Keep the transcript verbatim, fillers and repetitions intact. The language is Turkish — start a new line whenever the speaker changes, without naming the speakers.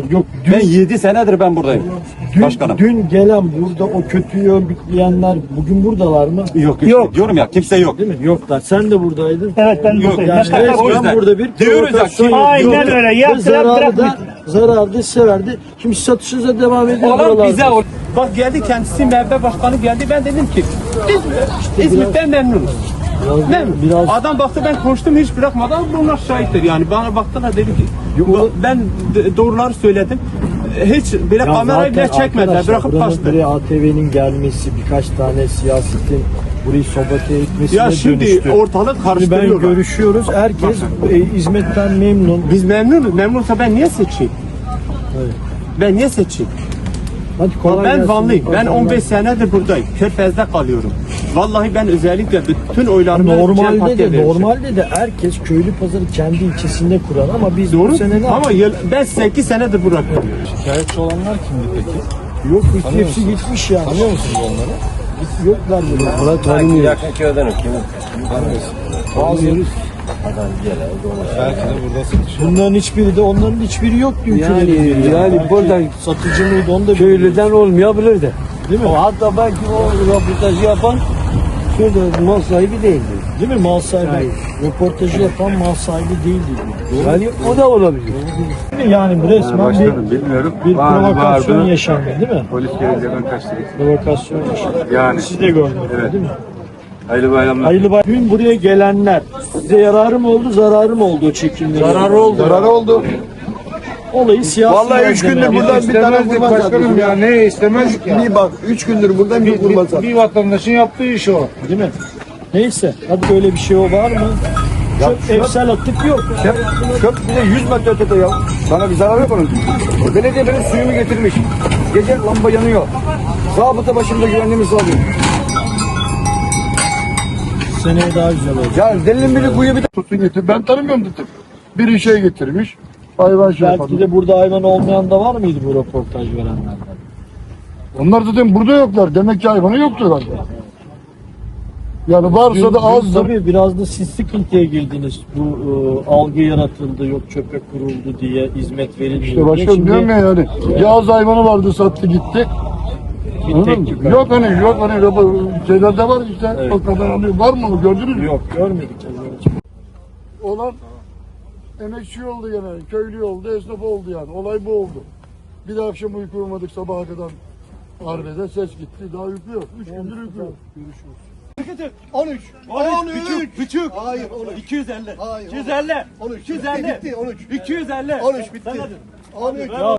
Yok, dün,
Ben yedi senedir ben buradayım.
dün,
Başkanım.
dün gelen burada o kötüyü örgütleyenler bugün buradalar mı?
Yok, yok. Diyorum ya kimse yok.
Değil mi? Yoklar. Sen de buradaydın.
Evet ben
Yok,
buradayım.
Yani
Başka-
evet, o
resmen
yüzden.
burada bir
Diyoruz ya,
provokasyon
kim-
Aynen
yapıyor.
öyle.
Ve
Yaptılar,
zararı da,
bırakmayın.
zararı da size verdi. Şimdi satışınıza devam ediyor
Olan
buralarda.
bize ol- Bak geldi kendisi M H P başkanı geldi, ben dedim ki biz İzmit'ten memnunuz.
Biraz-
Memnun.
biraz-
Adam baktı ben konuştum hiç bırakmadan bunlar şahittir yani bana baktılar dedi ki
Yok.
ben d- doğruları söyledim. Hiç bile
Ya
kamerayı bile
zaten
çekmediler,
arkadaşlar,
bırakıp
buranın
kaçtı.
buraya A T V'nin gelmesi, birkaç tane siyasetin burayı sabote etmesine
Ya şimdi
dönüştü.
ortalık
Şimdi ben
karıştırıyorlar.
görüşüyoruz. Herkes e, hizmetten memnun.
Biz memnunuz. Memnunsa ben niye seçeyim?
Evet.
Ben niye seçeyim?
Hadi kolay
Ben
gelsin.
Vanlıyım. Ben
Pazarlar.
on beş senedir buradayım. Körfez'de kalıyorum. Vallahi ben özellikle bütün oylarımı Cem
Normalde
Parti'ye
de
vermişim.
normalde de herkes köylü pazarı kendi ilçesinde kurar ama biz bu
Doğru.
sene ne
Ama yıl, ben sekiz senedir burada kalıyorum.
Şikayetçi olanlar kimdi peki?
Yok, hiç hepsi gitmiş ya.
Tanıyor musunuz onları?
Git- Yoklar burada. Burada tanımıyoruz.
Yakın köyden kimin?
Tanımıyoruz.
Belki de burada satış.
Bunların hiçbiri de onların hiçbiri yok diyor.
Yani yani burada
satıcı mıydı onu da
köylüden olmayabilir de.
değil mi?
O hatta belki o röportajı yapan şurada mal sahibi değildi.
Değil mi? Mal sahibi. Röportajı yapan mal sahibi değildi diyor.
Yani o da olabilir.
Yani bu resmen
Başkanım
bir,
bilmiyorum.
bir
Bağırdı,
provokasyon
bağırdı.
yaşandı değil mi?
Polis gelince ben kaçtım.
Provokasyon yaşandı.
Yani.
Siz de gördünüz
Evet.
değil mi?
Hayırlı bayramlar.
Hayırlı bay. Dün buraya gelenler size yararı mı oldu, zararı mı oldu o çekimleri?
Zararı oldu.
Zararı oldu.
Olayı siyasi.
Vallahi üç gündür
malzeme.
buradan bir tane
İstemezdik
vurma
başkanım ya. Ne istemezdik ya.
Bir bak, üç gündür buradan bir
Bir,
vurma
bir, bir vatandaşın yaptığı iş o.
Değil mi? Neyse. Hadi böyle bir şey o var mı? Çok evsel atık yok.
Köp, köp bir de yüz metre ötede ya. Sana bir zarar yok onun. Belediye benim suyumu getirmiş. Gece lamba yanıyor. Zabıta başımda güvenliğimi sağlıyor.
Seneye daha güzel olacak.
Ya delinin biri kuyu bir de
Tutun getir. Ben tanımıyorum dedim. Biri şey getirmiş. Hayvan şey
Belki
yapalım.
de burada hayvan olmayan da var mıydı bu röportaj verenlerden?
Onlar zaten burada yoklar. Demek ki hayvanı yoktur galiba. Yani varsa da azdır.
Tabii biraz da siz sıkıntıya girdiniz. Bu e, algı yaratıldı, yok çöpe kuruldu diye hizmet verilmiyor.
İşte
diye.
başkanım
Şimdi
diyorum ya yani. Yağız hayvanı vardı sattı gitti.
bir
Anladın
tek
mı?
tük-
Yok hani yok hani şeylerde var işte.
Evet.
O kadar alıyor. Var mı? Gördünüz mü?
Yok görmedik.
Olan emekçi oldu gene. Köylü oldu, esnaf oldu yani. Olay bu oldu. Bir de akşam uyku uyumadık sabaha kadar. Arbede ses gitti. Daha uyku yok. Üç gündür uyku yok.
on üç. on üç. Buçuk. Hayır on üç. iki yüz elli. Hayır. iki yüz elli. on üç. iki yüz elli. Bitti on üç. iki yüz elli. on üç bitti. on üç.